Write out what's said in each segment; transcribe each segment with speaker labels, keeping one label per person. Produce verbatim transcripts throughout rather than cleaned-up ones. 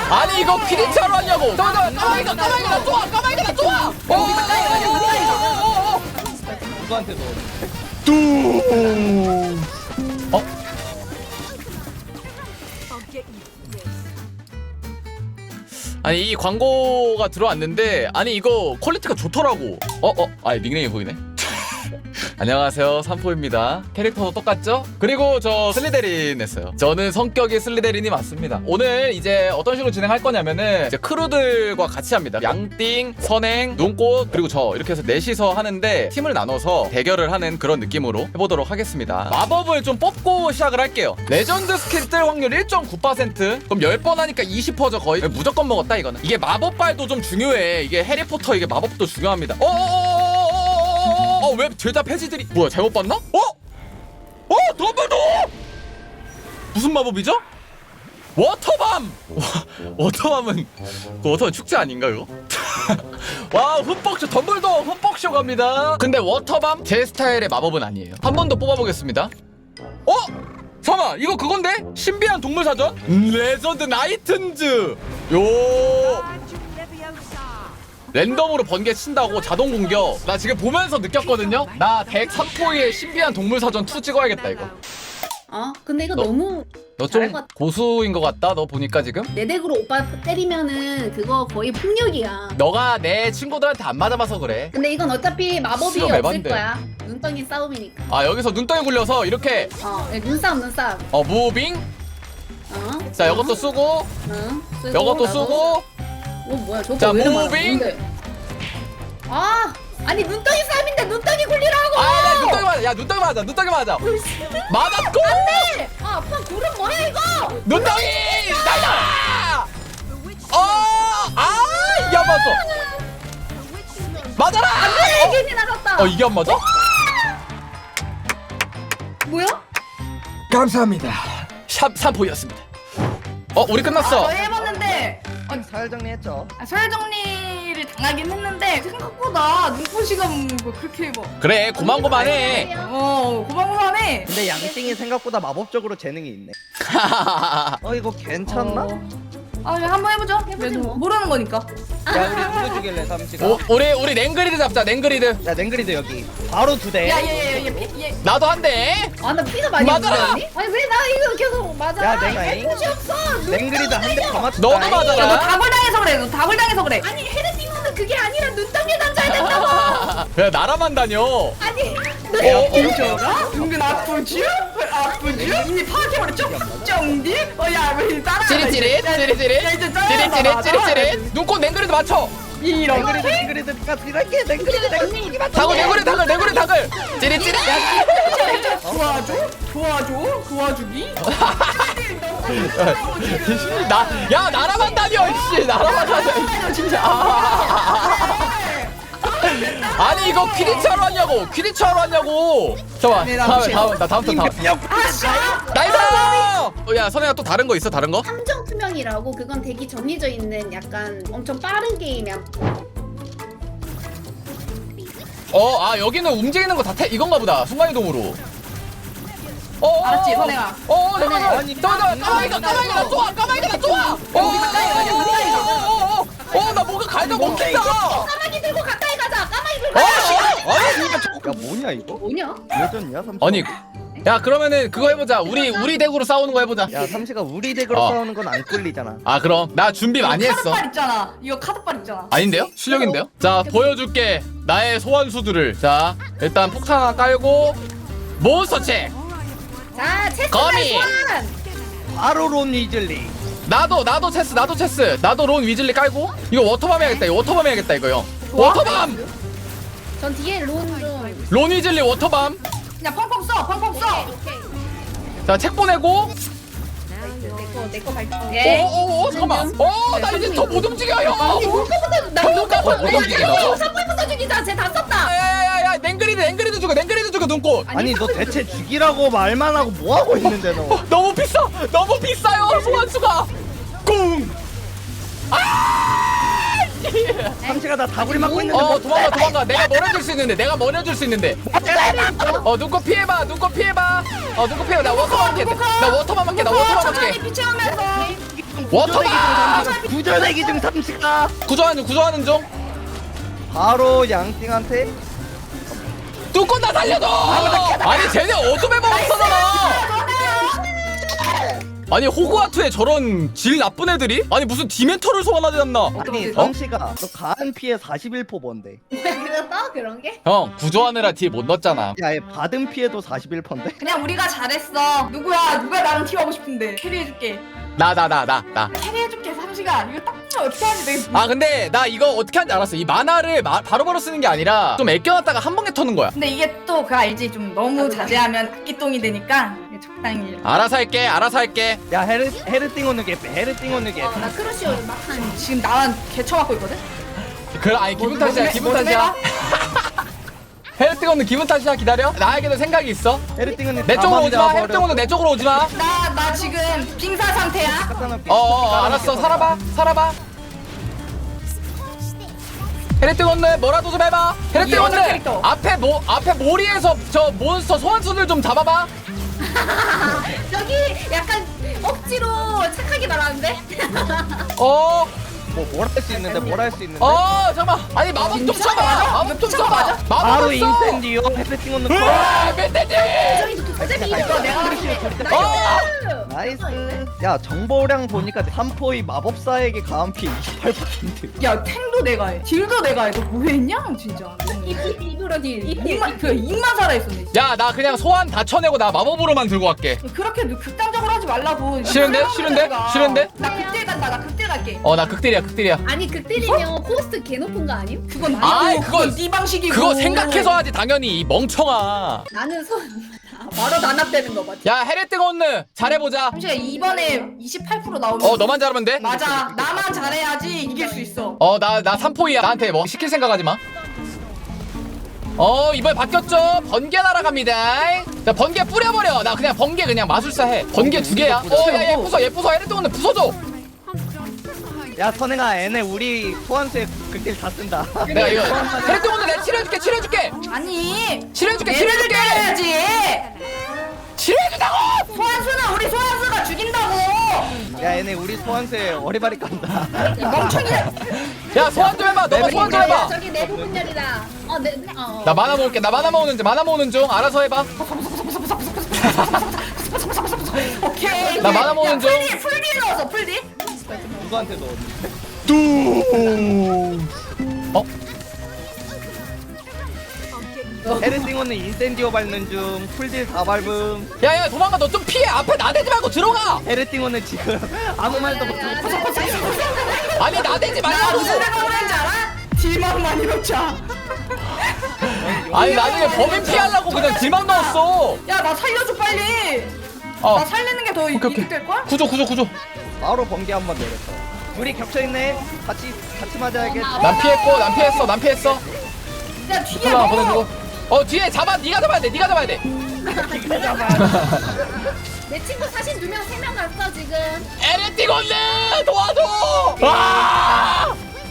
Speaker 1: 아니 이거 퀴디차로 하냐고. 잠깐만 까마귀가 까마귀가 좋아 까마귀가 좋아. 어어어어어어.
Speaker 2: 누구한테 넣어?
Speaker 1: 뚜. 어? 아니 이 광고가 들어왔는데 아니 이거 퀄리티가 좋더라고. 어? 어? 아니 닉네임이 보이네. 안녕하세요 삼포입니다. 캐릭터도 똑같죠? 그리고 저 슬리데린 했어요. 저는 성격이 슬리데린이 맞습니다. 오늘 이제 어떤 식으로 진행할 거냐면은 이제 크루들과 같이 합니다. 양띵, 선행, 눈꽃 그리고 저 이렇게 해서 넷이서 하는데 팀을 나눠서 대결을 하는 그런 느낌으로 해보도록 하겠습니다. 마법을 좀 뽑고 시작을 할게요. 레전드 스킬 뜰 확률 일 점 구 퍼센트. 그럼 십 번 하니까 이십 퍼센트죠 거의. 무조건 먹었다 이거는. 이게 마법발도 좀 중요해. 이게 해리포터 이게 마법도 중요합니다. 어어어어어어어어 어, 왜 죄다 폐지들이 뭐야 잘못 봤나? 어? 어? 덤블도! 무슨 마법이죠? 워터밤! 와, 워터밤은 그 워터밤 축제 아닌가 이거? 와 흠뻑쇼 덤블도 흠뻑쇼 갑니다. 근데 워터밤 제 스타일의 마법은 아니에요. 한 번 더 뽑아보겠습니다. 어? 잠깐만 이거 그건데? 신비한 동물사전? 레전드 나이튼즈 요 랜덤으로 번개 친다고 자동 공격. 나 지금 보면서 느꼈거든요. 나 덱 삼포이의 신비한 동물사전 투 찍어야겠다 이거.
Speaker 3: 어? 근데 이거
Speaker 1: 너-
Speaker 3: 너무
Speaker 1: 너
Speaker 3: 잘할
Speaker 1: 좀
Speaker 3: 것 같아.
Speaker 1: 고수인 것 같다. 너 보니까 지금
Speaker 3: 내 덱으로 오빠 때리면은 그거 거의 폭력이야.
Speaker 1: 너가 내 친구들한테 안 맞아봐서 그래.
Speaker 3: 근데 이건 어차피 마법이
Speaker 1: 수염
Speaker 3: 없을
Speaker 1: 에반데.
Speaker 3: 거야. 눈덩이 싸움이니까.
Speaker 1: 아 여기서 눈덩이 굴려서 이렇게
Speaker 3: 어, 네, 눈싸움 눈싸움.
Speaker 1: 어 무빙.
Speaker 3: 어?
Speaker 1: 자
Speaker 3: 어?
Speaker 1: 이것도 쓰고
Speaker 3: 응. 쓰고,
Speaker 1: 이것도
Speaker 3: 나도.
Speaker 1: 쓰고.
Speaker 3: 어 뭐야 저거
Speaker 1: 자,
Speaker 3: 왜 이렇게 많아?
Speaker 1: 무빙.
Speaker 3: 뭔데? 아 아니 눈덩이 싸움인데 눈덩이 굴리라고.
Speaker 1: 아 눈덩이 맞아. 야 눈덩이 맞아. 눈덩이 맞아. 맞았고.
Speaker 3: 안돼. 아 아빠 고름 뭐야 이거?
Speaker 1: 눈덩이 날라. 어. 아 이게 안 맞어. 맞아라.
Speaker 3: 안돼 괜히 나갔다.
Speaker 1: 어 이게 안 맞아?
Speaker 3: 뭐야?
Speaker 1: 감사합니다. 샵 삼포였습니다. 어 우리 끝났어.
Speaker 4: 아, 저희 해봤는데
Speaker 2: 아니 사열 정리했죠.
Speaker 4: 아, 서열 정리를 당하긴 했는데 생각보다 눈꽃이가 뭐 그렇게 뭐
Speaker 1: 그래 고만고만해.
Speaker 4: 어 고만고만해.
Speaker 2: 근데 양띵이 생각보다 마법적으로 재능이 있네. 어 이거 괜찮나?
Speaker 4: 어. 아 그냥 한번 해보죠.
Speaker 3: 해보지
Speaker 4: 그래도
Speaker 3: 뭐.
Speaker 4: 모르는 거니까.
Speaker 2: 야 우리 누구 죽일래 삼시가?
Speaker 1: 오, 우리 우리 랭그리드 잡자 랭그리드.
Speaker 2: 야 냉그리드 여기 바로 두 대.
Speaker 4: 야얘얘얘얘
Speaker 1: 나도 한대.
Speaker 3: 아나 피가 많이
Speaker 1: 맞아라!
Speaker 3: 묻었니? 아니 왜 나 이거 계속 맞아?
Speaker 2: 야, 내가
Speaker 3: 할 곳이 없어.
Speaker 2: 냉그리드 한 대 더 맞췄다.
Speaker 1: 너도 맞아라.
Speaker 4: 야너 다굴 당해서 그래. 너 다굴 당해서 그래.
Speaker 3: 아니 헤르티모는 그게 아니라 눈덩이 던져야 된다고.
Speaker 1: 야 나라만 다녀.
Speaker 3: 아니
Speaker 1: 어,
Speaker 4: 어, 은근 아프지? 아프지? 이미 파악해버렸죠? 쩡디? 어야왜 따라?
Speaker 1: 찌릿찌릿 찌릿찌릿 찌릿찌릿 찌릿찌릿. 눈꽃 냉그리드 맞춰.
Speaker 4: 이런
Speaker 2: 냉그리드 냉그리드가 들어갈게. 냉그리드 냉그리드 맞춰.
Speaker 1: 다글 냉그리 다글 냉그리 다글. 찌릿찌릿.
Speaker 4: 도와줘? 도와줘? 도와주기?
Speaker 1: 나야 나라만 다녀 씨 나라만 다녀 진짜. 아니 이거 퀴디차로 하냐고 퀴디차로 하냐고. 잠깐
Speaker 4: 네,
Speaker 1: 다음
Speaker 4: 남친.
Speaker 1: 다음 나 다음 턴 다음. 나이스. 어, 야 선혜야 또 다른 거 있어 다른 거?
Speaker 3: 함정 투명이라고 그건 되게 정해져 있는 약간 엄청 빠른 게임이야.
Speaker 1: 어 아 여기는 움직이는 거 다 태 이건가 보다 순간이동으로. 어
Speaker 4: 알았지, 선혜야.
Speaker 1: 어 잠깐만
Speaker 2: 아니,
Speaker 1: 잠깐만 까마귀가 까마귀가 좋아 까마귀가 좋아. 어어어어어나 뭔가 갈등 먹힌다.
Speaker 3: 까마귀 들고 가까이 가자. 까마귀 들고.
Speaker 1: 어?
Speaker 3: 가자.
Speaker 1: 아니
Speaker 2: 야 뭐냐 이거?
Speaker 3: 뭐냐?
Speaker 2: 레전이야 삼시.
Speaker 1: 아니 야 그러면은 그거 해보자. 우리 우리 덱으로 싸우는 거 해보자.
Speaker 2: 야 삼시가 우리 덱으로
Speaker 1: 어.
Speaker 2: 싸우는 건 안 꿀리잖아.
Speaker 1: 아 그럼 나 준비 많이 했어.
Speaker 4: 카드빨 있잖아. 이거 카드빨 있잖아.
Speaker 1: 아닌데요? 실력인데요? 자 보여줄게 나의 소환수들을. 자 일단 폭탄 하나 깔고 몬스터 체.
Speaker 3: 자 체크
Speaker 1: 거미.
Speaker 3: 소환.
Speaker 2: 바로 론 위즐리.
Speaker 1: 나도 나도 체스 나도 체스 나도 론 위즐리 깔고. 이거 워터밤 해야겠다 이거 워터밤 해야겠다 이거 형. 워터밤.
Speaker 3: 전 뒤에 론 좀.
Speaker 1: 론 위즐리 워터밤.
Speaker 4: 그냥 펑펑 써. 펑펑 써.
Speaker 1: 자 책 보내고.
Speaker 3: 내거 내거 발표.
Speaker 1: 오오오 잠깐만. 어나 이제 더 못 움직여 형.
Speaker 3: 눈꺼부터 나
Speaker 1: 어,
Speaker 3: 눈꺼부터
Speaker 1: 못 움직인다고?
Speaker 3: 삼분부터 죽이자. 쟤다 썼다.
Speaker 1: 야야야야 냉그리드 냉그리드 죽여 냉그리드 죽여 눈꽃.
Speaker 2: 아니 너 대체 죽이라고 말만 하고 뭐 하고 있는데 너?
Speaker 1: 어, 너무 비싸 너무 비싸요 소환수가. 꿍. 아!
Speaker 2: 삼시가 나 다구리 맞고 있는데
Speaker 1: 어
Speaker 2: 뭐?
Speaker 1: 도망가 도망가. 내가 멀어줄 수 있는데 내가 멀어줄 수 있는데. 어 눈꽃 피해봐 눈꽃 피해봐. 어 눈꽃 피해봐. 나 워터만 할게 나 워터만 할게 나 워터만 할게.
Speaker 4: 천천히 피치하면서
Speaker 1: 워터가
Speaker 2: 구조대기 중 삼시가
Speaker 1: 구조하는 구조하는 중.
Speaker 2: 바로 양띵한테
Speaker 1: 뚜껑 다 살려줘. 아니 쟤네 어둠의 마법사잖아. 아니 호그와트에 저런 질 나쁜 애들이? 아니 무슨 디멘터를 소환하지 않나?
Speaker 2: 아니
Speaker 1: 어?
Speaker 2: 삼시가 너 가한 피해 사십일 퍼센트 뭔데?
Speaker 3: 그랬어? 그런 게?
Speaker 1: 형 구조하느라 뒤에 못 넣었잖아.
Speaker 2: 야얘 받은 피해도 사십일 퍼센트인데?
Speaker 4: 그냥 우리가 잘했어. 누구야? 누가 나랑 팀하고 싶은데 캐리해줄게.
Speaker 1: 나 나 나 나 나.
Speaker 4: 캐리해줄게 삼시가. 이거 딱 보면 어떻게 하는지 내가.
Speaker 1: 아 근데 나 이거 어떻게 하는지 알았어. 이 만화를 마, 바로바로 쓰는 게 아니라 좀 아껴놨다가 한 번에 터는 거야.
Speaker 4: 근데 이게 또 그거 알지? 좀 너무 자제하면 악기똥이 되니까 이게 적당히.
Speaker 1: 알아서 할게 알아서 할게.
Speaker 2: 야 헤르 헤르띵 오는 게 헤르띵 오는 게
Speaker 3: 어, 나 크루시오 막한
Speaker 4: 지금 나만 개쳐맞고 있거든?
Speaker 1: 그 아니 기분 탓이야
Speaker 4: 뭐,
Speaker 1: 기분
Speaker 4: 뭐,
Speaker 1: 탓이야. 헤르뜨거는 기분 탓이야. 기다려. 나에게도 생각이 있어.
Speaker 2: 헤르띵은
Speaker 1: 내 쪽으로 오지 마. 헤르뜨거는 내 쪽으로 오지 마.
Speaker 4: 나, 나 지금 빙사 상태야.
Speaker 1: 어, 어 알았어. 살아봐. 살아봐. 헤르뜨거는 뭐라도 좀 해봐.
Speaker 4: 여자
Speaker 1: 헤르뜨거는
Speaker 4: 캐릭터.
Speaker 1: 앞에 모 앞에 모리에서 저 몬스터 소환수들 좀 잡아봐.
Speaker 3: 저기 약간 억지로 착하게 말하는데?
Speaker 1: 어.
Speaker 2: 뭐뭘 할 수 있는데 뭘 할 수 있는데?
Speaker 1: 어 잠깐만. 아니 마법 좀
Speaker 4: 진짜
Speaker 1: 써봐.
Speaker 4: 맞아?
Speaker 1: 마법 좀
Speaker 4: 진짜
Speaker 1: 써봐.
Speaker 4: 맞아?
Speaker 2: 바로
Speaker 1: 마법 좀 써.
Speaker 2: 인센디오 헤르띵 오는 거.
Speaker 1: 으아, 멧돼지.
Speaker 3: 어차피
Speaker 4: 이거
Speaker 3: 이거
Speaker 4: 내가
Speaker 1: 어.
Speaker 2: 나이스. 야 정보량 보니까 삼포이 마법사에게 가한 피해 이십팔 퍼센트.
Speaker 4: 야 탱도 내가 해. 딜도 내가 해. 너 뭐했냐 진짜.
Speaker 3: 입으로 딜.
Speaker 4: 입만 그 입만 살아있었네.
Speaker 1: 야 나 그냥 소환 다 쳐내고 나 마법으로만 들고 갈게.
Speaker 4: 그렇게 극단적으로 하지 말라고.
Speaker 1: 싫은데? 싫은데? 싫은데?
Speaker 4: 나 극딜 간다. 나 극딜 갈게.
Speaker 1: 어 나 극딜이야 극딜이야.
Speaker 3: 아니 극딜이면 코스트 개 높은 거 아님?
Speaker 4: 그건 아니고.
Speaker 1: 아이, 그건-
Speaker 4: 그건 네 방식이고.
Speaker 1: 그거 생각해서 하지 당연히 이 멍청아.
Speaker 3: 나는 손 바로 단합되는 거 맞지?
Speaker 1: 야 헤레뜨거는 잘해보자.
Speaker 4: 삼시가 이번에 이십팔 퍼센트 나오면.
Speaker 1: 어 너만 잘하면 돼.
Speaker 4: 맞아. 나만 잘해야지 이길 수 있어.
Speaker 1: 어 나 나 삼포이야. 나한테 뭐 시킬 생각하지 마. 어 이번에 바뀌었죠. 번개 날아갑니다. 자 번개 뿌려버려. 나 그냥 번개 그냥 마술사 해. 번개 두 개야. 어야얘 부숴 얘 부숴. 헤레뜨거는 부숴줘.
Speaker 2: 야 선행아 얘네 우리 소환수의 극딜 다 쓴다.
Speaker 1: 내가 이거 헤레뜨거는 내가 치료해줄게 치료해줄게
Speaker 4: 아니.
Speaker 1: 치료해줄게
Speaker 4: 얘네들
Speaker 1: 치료해줄게
Speaker 4: 때려야지.
Speaker 1: 치료해준다고.
Speaker 4: 소환수는 우리 소환수가 죽인다고.
Speaker 2: 야 얘네 우리 소환수에 어리바리 깐다.
Speaker 4: 멍청이야.
Speaker 1: 야 소환 좀 해봐. 너가 소환 좀 해봐.
Speaker 3: 저기 내부 분열이다. 어, 네, 네, 어.
Speaker 1: 나 만화 모을게. 나 만화 모으는 중 만화 모으는 중 알아서 해봐.
Speaker 4: 오케이.
Speaker 1: 나 만화 모으는 중.
Speaker 4: 풀디 풀디 넣었어 풀디.
Speaker 2: 누구한테 넣었는데?
Speaker 1: 어?
Speaker 2: 헤르띵오는 인센디오 밟는 중. 풀딜 다 밟음.
Speaker 1: 야야 도망가. 너 좀 피해. 앞에 나대지 말고 들어가.
Speaker 2: 헤르띵오는 지금 아무 말도 못하고.
Speaker 1: 아니 나대지
Speaker 4: 나
Speaker 1: 말라고.
Speaker 4: 무슨 생각을 하는지 알아? 딜만만 이렇자.
Speaker 1: 아니 나중에 범인 피하려고 그냥 딜만 넣었어.
Speaker 4: 야 나 살려줘 빨리.
Speaker 1: 어
Speaker 4: 나 살리는 게 더
Speaker 1: 오케이, 오케이.
Speaker 4: 이득 될 걸?
Speaker 1: 구조 구조 구조.
Speaker 2: 바로 번개 한 번 내렸어. 둘이 겹쳐 있네. 같이 같이 맞아야겠.
Speaker 1: 난 피했고 난 피했어 난 피했어.
Speaker 4: 야 뒤에
Speaker 1: 하나
Speaker 4: 뭐?
Speaker 1: 보내주고. 어 뒤에 잡아. 네가 잡아야 돼. 네가 잡아야 돼.
Speaker 3: 내 친구 사신 두 명, 세 명 갔어 지금.
Speaker 1: 에레티곤네 도와줘. 아!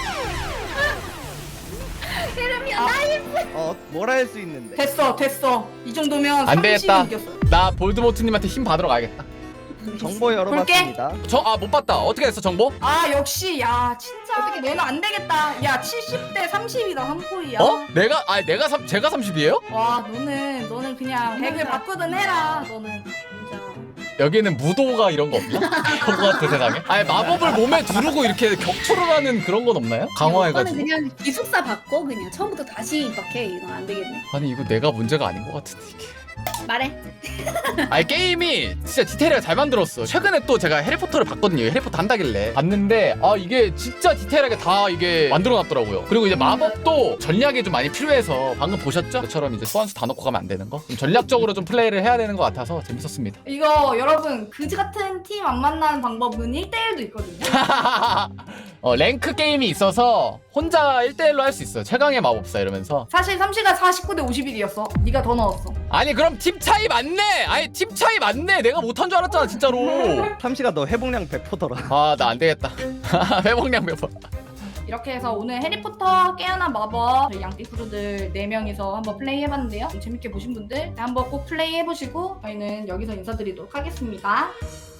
Speaker 3: 세름이야 나 예뻐.
Speaker 2: 어, 뭘 할 수 있는데?
Speaker 4: 됐어 됐어. 이 정도면
Speaker 1: 안 되겠다.
Speaker 4: 삼십은 이겼어.
Speaker 1: 나 볼드모트님한테 힘 받으러 가야겠다.
Speaker 2: 정보 열어봤습니다.
Speaker 1: 저 아 못 봤다. 어떻게 됐어 정보?
Speaker 4: 아 역시 야 진짜 너는 안 되겠다. 야 칠십 대 삼십이다 삼포이야.
Speaker 1: 어? 내가 아 내가 삼 제가 삼십이에요?
Speaker 4: 와 너는 너는 그냥 백을 바꾸든 해라 너는.
Speaker 3: 진짜.
Speaker 1: 여기는 무도가 이런 거 없나? 그거 같은 세상에? 아니 마법을 몸에 두르고 이렇게 격투를 하는 그런 건 없나요?
Speaker 3: 이거는
Speaker 1: 강화해가지고.
Speaker 3: 그냥 기숙사 받고 그냥 처음부터 다시 입학해. 이건 안 되겠네.
Speaker 1: 아니 이거 내가 문제가 아닌 것 같은데 이게.
Speaker 3: 말해.
Speaker 1: 아니 게임이 진짜 디테일하게 잘 만들었어. 최근에 또 제가 해리포터를 봤거든요. 해리포터 한다길래 봤는데 아 이게 진짜 디테일하게 다 이게 만들어놨더라고요. 그리고 이제 마법도 전략이 좀 많이 필요해서 방금 보셨죠? 저처럼 이제 소환수 다 넣고 가면 안 되는 거. 좀 전략적으로 좀 플레이를 해야 되는 것 같아서 재밌었습니다.
Speaker 4: 이거 여러분 그지 같은 팀 안 만나는 방법은 일 대일도 있거든요.
Speaker 1: 어, 랭크 게임이 있어서 혼자 일 대일로 할 수 있어요. 최강의 마법사 이러면서.
Speaker 4: 사실 삼시가 사십구 대 오십일이었어. 네가 더 넣었어.
Speaker 1: 아니 그럼 팀 차이 맞네. 아니 팀 차이 맞네. 내가 못한 줄 알았잖아 진짜로.
Speaker 2: 삼시가 너 회복량 백 퍼센트더라.
Speaker 1: 아 나 안 되겠다. 회복량 몇 번.
Speaker 4: 이렇게 해서 오늘 해리포터 깨어난 마법 저희 양띠프루들 네 명이서 한번 플레이 해봤는데요. 재밌게 보신 분들 한번 꼭 플레이 해보시고 저희는 여기서 인사드리도록 하겠습니다.